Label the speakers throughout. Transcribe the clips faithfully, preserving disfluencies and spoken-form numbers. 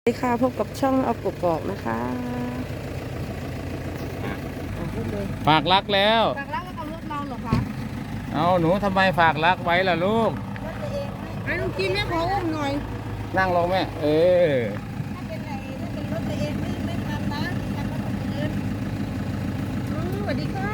Speaker 1: สวัสดีค่ะพบกับช่องเอากกอกนะคะ
Speaker 2: ฝากรักแล้ว
Speaker 1: ฝากรักแล้วกับรถเราเหรอคะ
Speaker 2: เอาหนูทำไมฝากรักไว้ล่ะลูก
Speaker 1: ไอ้ลุงกินแม่ขออุ้มหน่อย
Speaker 2: นั่งลงแม่เออ
Speaker 3: ถ้าเป็นไรถ้าเป็นรถตัวเองไม่ไม่ทำนะทำรถคนอื่น
Speaker 1: อืมสวัสดีค่ะ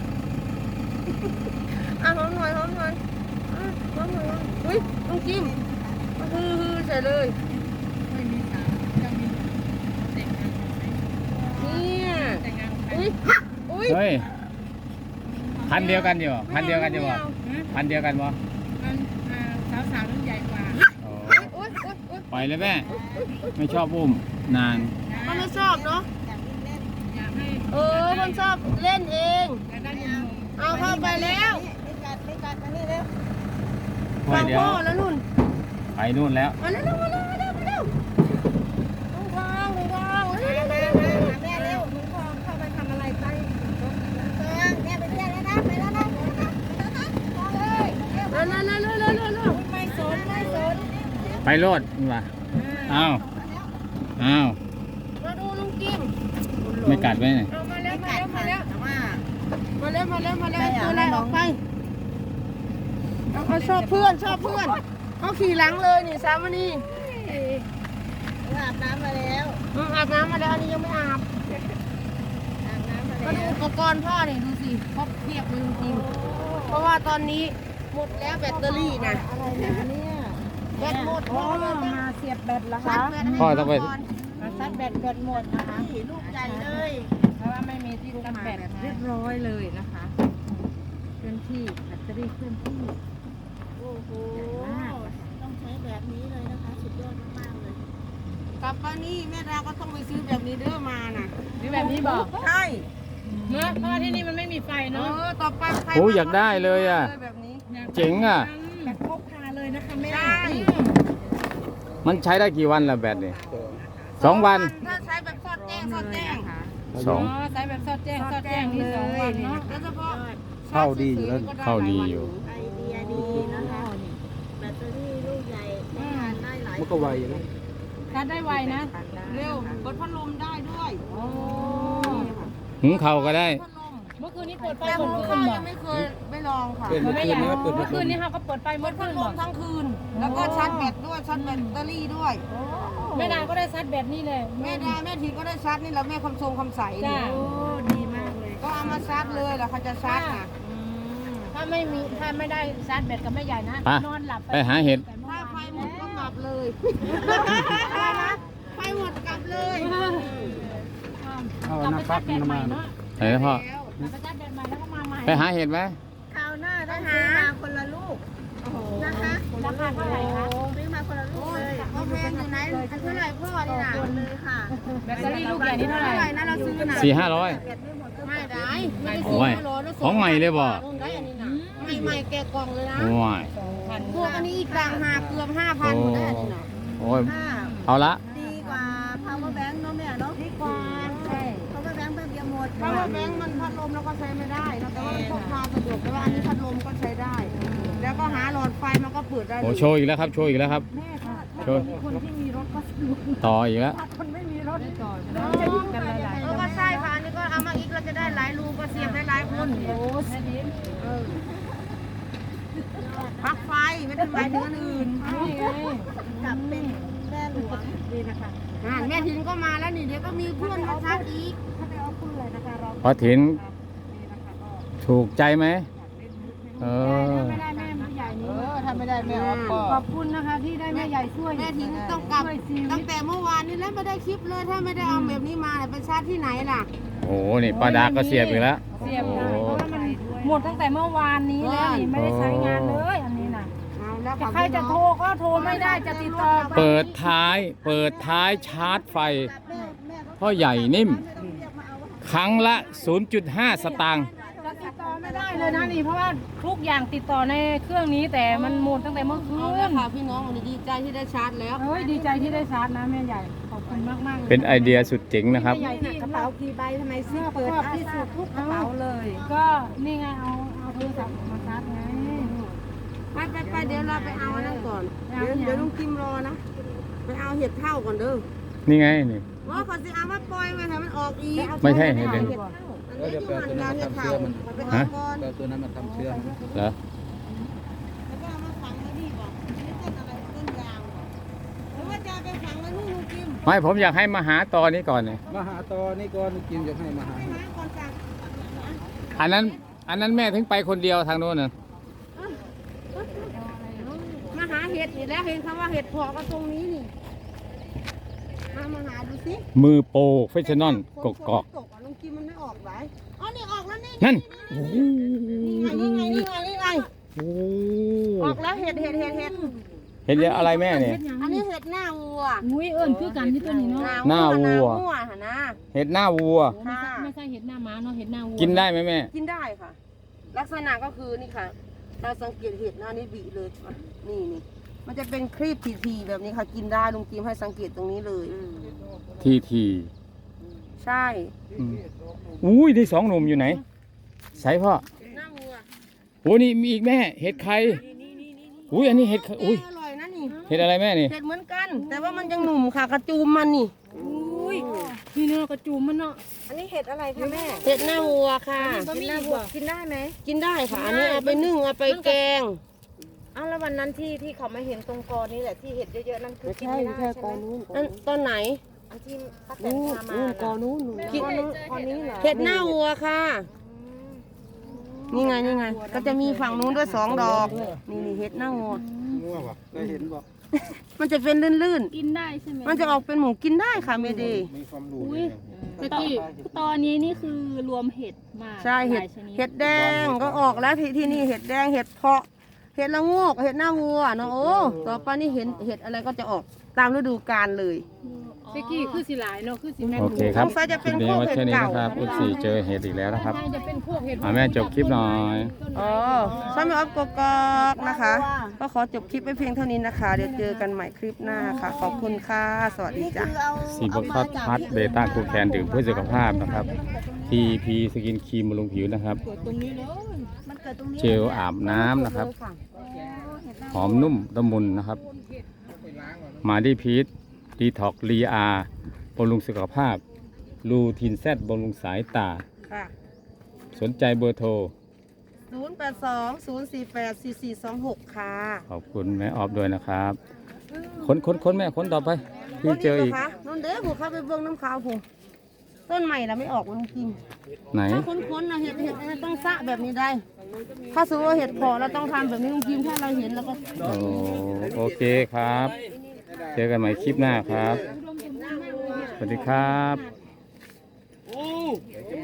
Speaker 1: อ่ะหอมหน่อยหอมหน่อยอ่ะหอมหน่อยอุ้ยลุงกิมฮือฮือใส่เลย
Speaker 3: ไม่มีสาวยังมีแต่งงาน
Speaker 1: เนี่ย
Speaker 3: แต่งงานใคร
Speaker 1: อุ้ยอุ้ย
Speaker 2: เฮ้ยพันเดียวกันอยู่พันเดียวกันอยู่บ่พันเดียวกันบ่
Speaker 3: มันสาวสาวรุ่นใหญ่กว่า
Speaker 2: โอ้
Speaker 1: อุ้ยอุ้ยอุ้ย
Speaker 2: ปล่อยเลยแม่ไม่ชอบอุ้มนาน
Speaker 1: มันไม่ชอบเนาะ
Speaker 3: อยากวิ่งเล่น
Speaker 4: อยากให้
Speaker 1: เออมันชอบเล่นเอง
Speaker 4: อยากได้หนุ่ม
Speaker 1: เอาเข้าไปแล้ว
Speaker 3: ไม่กัดไม่กัดมานี่เร็ว
Speaker 2: เฮ้
Speaker 1: ฟั
Speaker 2: ย
Speaker 1: ง
Speaker 2: เดี๋ยว
Speaker 1: พ่อแล้วนุ่น
Speaker 2: ไปนู่นแล้ว
Speaker 1: มาเร็วมาเร็วมาเร็วมาเร็วตรงทางตรงทางเร็ว
Speaker 3: มา
Speaker 1: เร็ว
Speaker 3: มา
Speaker 1: เร็ว
Speaker 3: มาหาแม่เร็วหนูพอเข้าไปทำอะไรใต้รถนะแม่ไปเที่ยวแล้วนะไปแล้วนะไปแล้วนะเลยเร็ว
Speaker 1: เร็วเร็วเร็วเร็วเร็วเร็วเร็ว
Speaker 3: ไม่สนไม่สน
Speaker 2: ไปโลดนี่ว่ะอ้าวอ้าว
Speaker 1: มาดูลุงกิม
Speaker 2: ไม่กัดไว้ไหน
Speaker 1: เอามาแล้
Speaker 3: ไม่
Speaker 1: วมา
Speaker 3: กัด
Speaker 1: แล้ว
Speaker 3: ค่ะ
Speaker 1: มาแล้ว
Speaker 3: แต่ว่า
Speaker 1: มาแล้วมาแล้วมาแล้ว
Speaker 3: ไม่อยาก
Speaker 1: ตัวอะไร
Speaker 3: ให้น้
Speaker 1: อ
Speaker 3: อง
Speaker 1: อกไปเอาเขาชอบเพื่อนชอบเพื่อนเขาขี่หลังเลยนี่สามวันนี้
Speaker 3: อาบน้ำมาแล้ว
Speaker 1: อืมอาบน้ำมาแล้วอันนี้ยังไม่อาบ
Speaker 3: อาบน้ำมา
Speaker 1: มาดู
Speaker 3: แล้ว
Speaker 1: อุปกรณ์พ่อนี่ดูสิครบเพียบเลยจริงๆเพราะว่าตอนนี้หมดแล้วแบตเตอรี่นะ
Speaker 3: อะไรนะเนี่ย
Speaker 1: แบตหมดพ่อเลยต้อง
Speaker 3: มาเสียบแบตแล้ว
Speaker 1: ชา
Speaker 3: คะ
Speaker 1: ร์จแบตให้
Speaker 2: พ่อต้องไป
Speaker 1: ก่น
Speaker 3: มาซัดแบตแบตหมดนะคะสีลูกใหญ่เลย
Speaker 4: เพราะว่าไม่มีที่กันแบตเรียบร้อยเลยนะคะเคลื่อนที่แบตเตอรี่เคลื่อนที่
Speaker 3: โอ้โหต้องใช้แบบนี้เลยนะคะสุดยอดมากๆเลย
Speaker 1: กลับมานี่แม่ดาก็ต้องไปซื้อแบบนี้เด้อมาน่ะ
Speaker 4: หรือแบบนี้บอก
Speaker 1: ใช่
Speaker 4: เมื่อเพราะว่าที่นี่มันไม่มีไฟ
Speaker 1: เอ
Speaker 4: เนาะ
Speaker 1: อต่อไปใคร
Speaker 2: โอ้อยากได้เลยอ่ะ
Speaker 1: แบบนี้
Speaker 2: เจ๋งอ่ะ
Speaker 4: แบบพกพาเลยนะคะแม่
Speaker 1: ใช่
Speaker 2: มันใช้ได้กี่วันล่ะแบตนี่สองวัน
Speaker 1: ถ้าใช้แบบซอดแจ้งซอดแจ้ง
Speaker 2: สอง
Speaker 4: ใช้แบบซอดแจ้งซอดแจ้งนี่สองวันเนาะ
Speaker 1: โดยเฉพาะ
Speaker 2: เข้าดีอยู่แล้วเข้าดีอยู่
Speaker 3: ไอเดียดีนะคะแบตเตอรี่ลูกใหญ่ใช้งานได้หลาย
Speaker 2: มันก็ไวนะ
Speaker 4: ชาร์จได้ไวนะ
Speaker 1: เร็วเปิดพัดลมได้ด้วย
Speaker 4: โอ้
Speaker 2: หุงข้าวก็ได้
Speaker 1: พัดลม
Speaker 4: เมื่อคืนนี้เปิดไฟ
Speaker 1: แต่
Speaker 4: หม
Speaker 1: หุ
Speaker 4: ด
Speaker 1: ง
Speaker 4: คื
Speaker 1: ข้าน ว
Speaker 4: บอ
Speaker 1: ยั
Speaker 4: ก
Speaker 1: งไม่เคยไม่ลองค่ะ
Speaker 4: ไม่อยากเมื่อคืนนี้เขาก็เปิดไฟหม
Speaker 1: เปิ
Speaker 4: ด
Speaker 1: ด
Speaker 4: คื
Speaker 1: พัด
Speaker 4: น
Speaker 1: ล
Speaker 4: บอ
Speaker 1: ม
Speaker 4: ก
Speaker 1: ทั้งคืน แล้วก็ชาร์จแบตด้วยชาร์จแบตเตอรี่ด้วย
Speaker 4: แม่ดาก็ได้ซัดแบตนี่เลย
Speaker 1: แม่ดาแม่ทีก็ได้ชาร์จนี่แหละแม่คำทรงคำใส
Speaker 4: จ้า
Speaker 1: นี่
Speaker 3: โอ้ดีมากเลย
Speaker 1: ก็เอามาชาร์จเลยแล้วเขาจะชาร์จนะ
Speaker 4: ถ้าไม่มีถ้าไม่ได้ชาร์จแบตกับแม่ใหญ่นะ
Speaker 2: ไป
Speaker 4: นอนหลับ
Speaker 2: ไปหาเห็ด
Speaker 1: ถ้าไฟหมดก็กลับเลยอะไรนะไฟหมดกลับเลย
Speaker 4: เอาน้ำฟักน้ำมันเนาะ
Speaker 2: ไหนนะพ่อ
Speaker 4: แล้วไปชาร์จแบตใหม่แล้วก็มาใหม่
Speaker 2: ไปหาเห็ดไหม
Speaker 3: คราวหน้าต้องซื้อมาคนละลูกนะคะ
Speaker 4: ราคาเท่าไหร่คะ
Speaker 3: ซื้อมาคนละลูกเลย
Speaker 1: เขาแพงอยู่ไหนอันเท่าไหร่พ่อนี่นะ
Speaker 3: คนเลยค่ะ
Speaker 4: แบตเตอรี่ลูกใหญ่นี่เท่าไหร่
Speaker 1: เท่าไหร่นะเราซื้อน่ะ
Speaker 2: สี่ห้าร้อย
Speaker 3: แบตไม่หมดก็
Speaker 1: ไม่ได้ไม่ได้
Speaker 2: โอ้
Speaker 1: ซื้อย ไม่ร้อยแล้วส่
Speaker 2: ของใหม่เลยบ่
Speaker 1: ได้อันนี้นะใหม่ๆแกะกล่องเลยนะ
Speaker 2: โอ้ย
Speaker 4: พัน
Speaker 1: พวกอันนี้อีกต่างหากเกือบห้าพันหมดได้อันนี้นะ
Speaker 2: โอ้ย
Speaker 3: ค่ะ
Speaker 2: เอาละ
Speaker 3: ดีกว่า power bank เนาะแม่เนาะดีกว่าใช่ power bank แป๊บเดียวหมด
Speaker 1: เพราะว่าแบงค์มันพัดลมแล้วก็ใช้ไม่ได้นะแต่ว่ามันพกพาสะดวกแต่ว่าอันนี้พัดลมก็ใช้ได้ แล้วก็หาหลอดไฟมันก็เปิดได้เล
Speaker 2: โอ้
Speaker 1: ย
Speaker 2: โชว์อีกแล้วครับโชว์อีกแล้วครับ
Speaker 4: แม่ค่ะ
Speaker 2: โชว์
Speaker 4: คนที่มีรถก็สะดวก
Speaker 2: ต่ออีกแล้ว
Speaker 4: คนไม่มีรถต่อจะจะอยู่กันหลาย
Speaker 1: เออก็ใช่ค่ะอันนี้ก็เอามาอีกเราจะได้หลายรูก็เสียบได้หลายคน
Speaker 4: ๆโอ้แม่ดิน
Speaker 1: เออปลั๊กไฟไม่ได้หมายถึงอันอื่น
Speaker 4: นี่ไง
Speaker 3: กลับเป็นแม่หลวง
Speaker 4: ดีนะคะ
Speaker 1: อ่าแม่ทินก็มาแล้วนี่เดี๋ยวก็มีเพื่อนมาชักอีก
Speaker 4: ถ้าไปเอาปืนเลยนะคะเรา
Speaker 2: พอถิน
Speaker 4: ดีนะคะก็
Speaker 2: ถูกใจไหมเออ
Speaker 4: ไม่ได้แม่ใหญ่
Speaker 3: เอ
Speaker 4: นี้
Speaker 3: อถ้าไม่ได้แม่ออฟก็
Speaker 4: ขอบคุณนะคะที่ได้แม่ใหญ่ช่วย
Speaker 1: แม่ทินต้องกลับ
Speaker 4: ช่วยชีวิ
Speaker 1: ตั้
Speaker 4: ต
Speaker 1: งแต่เมื่อวานนี้แล้วไม่ได้คลิปเลยถ้าไม่ได้เอาแบบนี้มาเนี่ยไปชาร์จที่ไหนล่ะ
Speaker 2: โอ้โหนี่ป้าดาก็เสียบอีกแล้ว
Speaker 4: เสียบได้เพราะว่ามันหมดตั้งแต่เมื่อวานนี้แล้วนี่ไม่ได้ใช้งานเลยอันนี้นะ
Speaker 1: เอาแล้ว
Speaker 4: จะใครจะโทรก็โทรไม่ได้จะติดต่อไป
Speaker 2: เปิดท้าย เปิดท้ายชาร์จไฟ
Speaker 3: แม่แม่ก็
Speaker 2: พ่อใหญ่นิ่ม
Speaker 3: ไม่ต้องเรียกมาเอา
Speaker 2: ครั้งละ ศูนย์จุดห้า สตางค์
Speaker 4: จะติดต่อไม่ได้เลยนะนี่เพราะว่าทุกอย่างติดต่อในเครื่องนี้แต่มันหมดตั้งแต่เมื่อคื
Speaker 1: เอาแล้ว
Speaker 4: น
Speaker 1: ค่ะพี่น้องวันนี้ดีใจที่ได้ชาร์จแล้ว
Speaker 4: เฮ้ยดีใจที่ได้ชาร์จนะแม่ใหญ่ขอบคุณมากมากๆเลย
Speaker 2: เป็นไอเดียสุดเจ๋งนะครับ
Speaker 4: แม่ใหญ่ที่
Speaker 3: กระเป๋ากี่ใบทำไมซื้อเปิดที่สุดทุกกระเป๋าเลย
Speaker 4: ก็นี่ไงเอาเอาโทรศัพท์มาชาร์จไง
Speaker 1: ไปไปไปเดี๋ยวเราไปเอาอันนั้นก่อน เดี๋ยวเดี๋ยวลุงกิมรอนะ ไปเอาเห็ดเท่าก่อนเด้อ
Speaker 2: นี่ไงนี่
Speaker 1: ว่าเขาจะเอามาปล่อยไว้ให้มันออกอีก
Speaker 2: ไม่ใช่เห็ดเด่น
Speaker 1: เดี๋ยวแปลตัวนั้นมาทำเชื้อมันไปหาก่อน
Speaker 5: แปลตัวนั้นมาทำเชื้อ
Speaker 2: เหรอ
Speaker 1: แล้วก็เอามาฝังไว้นี่บอกนี่ต้นอะไรต้นยางบอกหรือว่าจะเอาไปฝังไว้นู่นลุงจิม
Speaker 2: ไม่ผมอยากให้มาหาตอนี้ก่อนเนี่ย
Speaker 5: มาหาตอนี่ก่อนกินจะให้มาหา
Speaker 1: ไปหาก่อนจ้ะ
Speaker 2: อันนั้นอันนั้นแม่ถึงไปคนเดียวทางโน้นน่ะ
Speaker 1: มาหาเห็ดนี่แล้วเห็นคำว่าเห็ดเพาะก็ตรงนี้นี่มามาหาดูสิ
Speaker 2: มือโปรเฟชชั่นอลกกอก
Speaker 1: ตกอ่ะลุงจิมมันไม่ออกไหนอ๋อนี่ออกแล้วนี่
Speaker 2: นั่นโอ้โห
Speaker 1: นี่ไงนี่ไงนี่ไงนี่ไง
Speaker 2: โอ้
Speaker 1: ออกแล้วเห็ดเห็ดเห็ดเห็ด
Speaker 2: เห็นอะไรแม่เนี่ย
Speaker 1: อันนี้เห็ดหน้าวัว
Speaker 4: อุ้ยเอิญคือกันที่ตัวนี้เนาะ
Speaker 2: หน้าวัว
Speaker 1: หน้าวัวหะนะ
Speaker 2: เห็ดหน้าวัว
Speaker 4: ไม่ใช่ไม่ใช่เห็ดหน้าม้าเนาะเห็ดหน้าวัว
Speaker 2: กินได้ไหมแม่
Speaker 1: กินได้ค่ะ ลักษณะก็คือนี่ค่ะเราสังเกตเห็ดหน้านี้บีเลยอ่ะนี่นี่มันจะเป็นครีบทีๆแบบนี้ค่ะกินได้ลุงจิมให้สังเกตตรงนี้เลย
Speaker 2: ทีที
Speaker 1: ใช่
Speaker 2: อืมอุ้ยได้สองหนุ่มอยู่ไหนใส่พ่อ
Speaker 1: หน้าวัว
Speaker 2: โอ้นี่มีอีกแม่ เห็ดไข่อุ้ยอันนี้เห็ดไข่อุ้ย
Speaker 1: อร่อยนะนี่
Speaker 2: เห็ดอะไรแม่นี่
Speaker 1: เห็ดเหมือนกัน แต่ว่ามันยังหนุ่มค่ะกระจูมมันนี่
Speaker 4: อุ้ยนี่เนาะกระจูมมันเนาะ
Speaker 3: อันนี้เห็ดอะไรคะแม่
Speaker 1: เห็ดหน้าวัวค่ะ
Speaker 3: กินได้บวกกินได้ไหม
Speaker 1: กินได้ค่ะ อันนี้เอาไปนึ่งเอาไปแกง
Speaker 3: อ้าวแล้ววันนั้นที่ที่เขามาเห็นตรงกอนี่แหละที่เห็ดเยอะๆนั่นคือกินไม่ได้ใช่ไหม
Speaker 1: นั่นต้นไหน
Speaker 3: อันที่ป้าแตน
Speaker 1: นู่น
Speaker 3: พามา
Speaker 1: นู่นกอ
Speaker 3: น่ะ
Speaker 1: นู้น
Speaker 3: กินกอนี้เหรอ
Speaker 1: เห็ดหน้าวัวค่ะ นี่ไงนี่ไง ก็จะมีฝั่งนู้นด้วยสองดอก นี่นี่เห็ดหน้าวัว
Speaker 5: ง่วงวะได้เห็นบอก
Speaker 1: มันจะเป็นลื่น
Speaker 4: กินได้ใช่ไหม
Speaker 1: ๆ มันจะออกเป็นหมูกินได้ค่ะเมเดย์
Speaker 5: มีความรู้
Speaker 4: อุ้ยตะกี้ตอนนี้นี่คือรวมเห็ดมา
Speaker 1: ใช่เห็ด
Speaker 4: ลายชนิ
Speaker 1: เห็ดแดงก็ออกแล้วที่ที่นี่เห็ดแดงเห็ดเพาะ เห็ดละโงกเห็ดหน้าวัวเนาะโอ้ต่อไปนี่เห็นเห็ดอะไรก็จะออกตามฤดูกาลเลย
Speaker 4: ตะกี้คือสิหลายเนาะคือสิแม่น
Speaker 2: โอเคครับ
Speaker 1: สงสัยจะ
Speaker 2: ค
Speaker 1: เป็
Speaker 2: ลิ
Speaker 1: น
Speaker 2: ปนี้
Speaker 1: พวก
Speaker 2: ไว้
Speaker 1: เห็ด
Speaker 2: แค่นี้
Speaker 1: เก่า
Speaker 2: นะครับอุดสี่เจอเห็ดอีกแล้วนะครับ
Speaker 4: น่าจะเป็นพวกเห็ด
Speaker 2: อ่ะแม่จบคลิปหน่อย
Speaker 1: อ๋อช่างไม่ออฟกกอกนะคะ ก็ขอจบคลิปไว้เพียงเท่านี้นะคะ เดี๋ยวเจอกันใหม่คลิปหน้าค่ะ ขอบคุณค่ะ สวัสดีจ้ะ
Speaker 2: สีบพัดพัดเบต้าคูแคนดื่มเพื่อสุขภาพนะครับ ที พี สกินครีมบำรุงผิวนะครับ
Speaker 3: มันเกิดตรงนี้
Speaker 2: เจลอาบน้ำนะครับ หอมนุ่มละมุนนะครับ มาดีพีทดีท็อกลีอาบำรุงสุขภาพ ลูทินแซดบำรุงสายตา
Speaker 1: ค่ะ
Speaker 2: สนใจเบอร์โทร
Speaker 1: ศูนย์ แปด สอง ศูนย์ สี่ แปด สี่ สี่ สอง หก ค่ะ
Speaker 2: ขอบคุณแม่ออฟด้วยนะครับค้นค้นค้นแม่ค้นต่อไปพี่เจออีก
Speaker 1: คะนั่นเด้อผมเข้าไปเบื้องน้ำขาวผมต้นใหม่ละไม่ออกมันจริง
Speaker 2: ไหน
Speaker 1: ถ้าค้นๆนะเห็ดเห็ดเนี่ยต้องสะแบบนี้ได้ ถ้าสมมติว่าเห็ดเพาะเราต้องทำแบบนี้ลุงจิมถ้าเราเห็นแล้วก็
Speaker 2: โอ้โอเคครับ เจอกันใหม่คลิปหน้าครับ สวัสดีครับ